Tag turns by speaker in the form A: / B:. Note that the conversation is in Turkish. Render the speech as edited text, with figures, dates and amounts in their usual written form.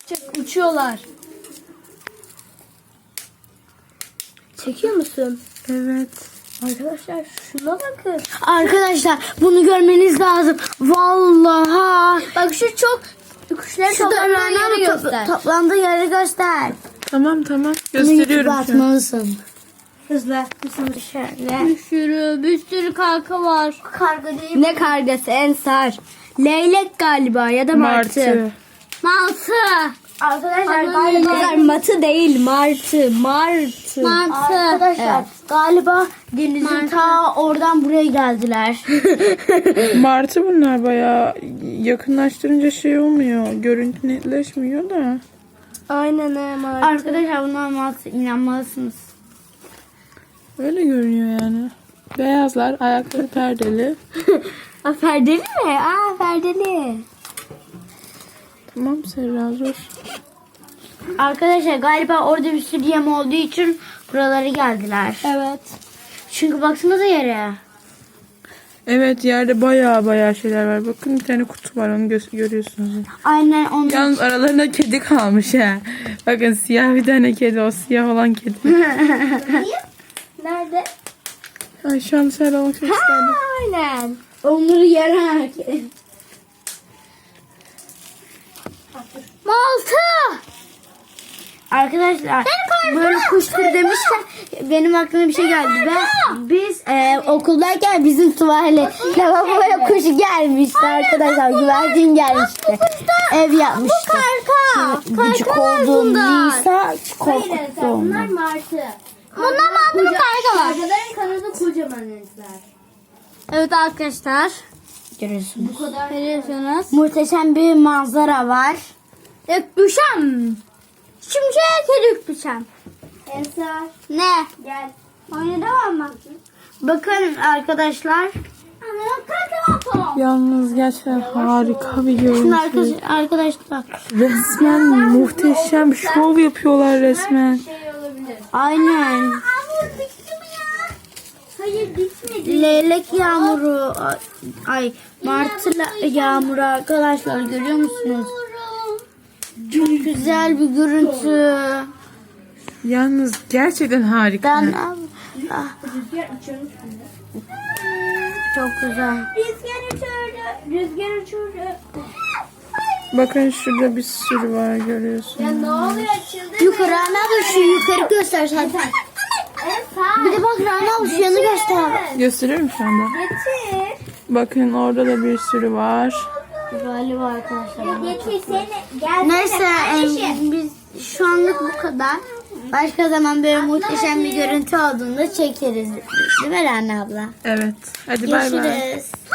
A: Uçuyorlar. Çekiyor musun?
B: Evet.
A: Arkadaşlar şuna bakın.
C: Arkadaşlar bunu görmeniz lazım. Vallahi.
A: Bak şu çok kuşların toplandığı yeri göster.
C: Toplandığı yeri göster.
B: Tamam
C: Bunu
B: gösteriyorum
C: YouTube'a
B: şu an.
C: atmalısın.
A: Hızlı.
C: Şöyle.
A: Bir sürü karga var. Karga değil.
C: Ne kargası Ensar? Leylek galiba ya da martı.
A: Martı. Arkadaşlar
C: Arkadaşlar matı değil martı. Martı.
A: Arkadaşlar
C: Galiba denizin ta oradan buraya geldiler.
B: Martı bunlar bayağı yakınlaştırınca şey olmuyor. Görüntü netleşmiyor da.
C: Aynen martı. Arkadaşlar bunlar martı, inanmalısınız.
B: Öyle görünüyor yani. Beyazlar, ayakları perdeli.
C: Aa, perdeli mi? Aa perdeli.
B: Tamam Serra zor.
C: Arkadaşlar galiba orada bir sürü yem olduğu için buralara geldiler.
A: Evet.
C: Çünkü baksanıza yere.
B: Evet yerde bayağı şeyler var. Bakın bir tane kutu var onu görüyorsunuz.
C: Aynen onun.
B: Yalnız aralarında kedi kalmış ha. Bakın siyah bir tane kedi, o siyah olan kedi.
A: Nerede?
B: Ay şu an Serra olmak çok isterdim.
C: Aynen. Onları yere.
A: Martı.
C: Arkadaşlar böyle kuştur demişken benim aklıma bir şey geldi. Biz okuldayken bizim tuvalet lavaboya kuş gelmişti arkadaşlar. Güvercin gelmişti. Ev yapmıştı. Gıcık olduğum Nisa korkuttu onu.
A: Bunlar martı. Bunlar martı kargalar. Kargaların kanadı kocaman ezler.
C: Evet arkadaşlar. Görüyorsunuz.
A: Bu kadar. Görüyorsunuz.
C: Muhteşem bir manzara var.
A: Öpüşem. Şimşek öpüşem. Ensar.
C: Ne?
A: Gel. Oyuna devam mı?
C: Bakın arkadaşlar.
B: Yalnız gerçekten harika bir
C: Şimdi
B: görüntü.
C: arkadaşlar.
B: Resmen muhteşem şov yapıyorlar resmen.
A: Şey olabilir.
C: Aynen.
A: Hamur bitti mi ya? Hayır bitmedi.
C: Leylek yağmuru. Ay martı yağmuru arkadaşlar görüyor musunuz? Çok güzel bir görüntü.
B: Yalnız gerçekten harika.
C: Ben
A: Rüzgar uçuyormuş bunda.
C: çok güzel.
A: Rüzgar uçurdu. Rüzgar uçurdu.
B: Bakın şurada bir sürü var görüyorsunuz.
A: Ya ne oluyor açıldı?
C: Yukarı Rana abla şu yukarı göster zaten.
A: Ensar.
C: Bir de bak Rana abla şu yanı göster.
B: Gösteriyorum şu anda.
A: Getir.
B: Bakın orada da bir sürü var.
C: Galiba arkadaşlar.
A: Getirsene. Gel.
C: Neyse biz şu anlık bu kadar. Başka zaman böyle muhteşem bir görüntü olduğunda çekeriz. Değil mi Rana abla?
B: Evet. Hadi bay bay.
C: Görüşürüz.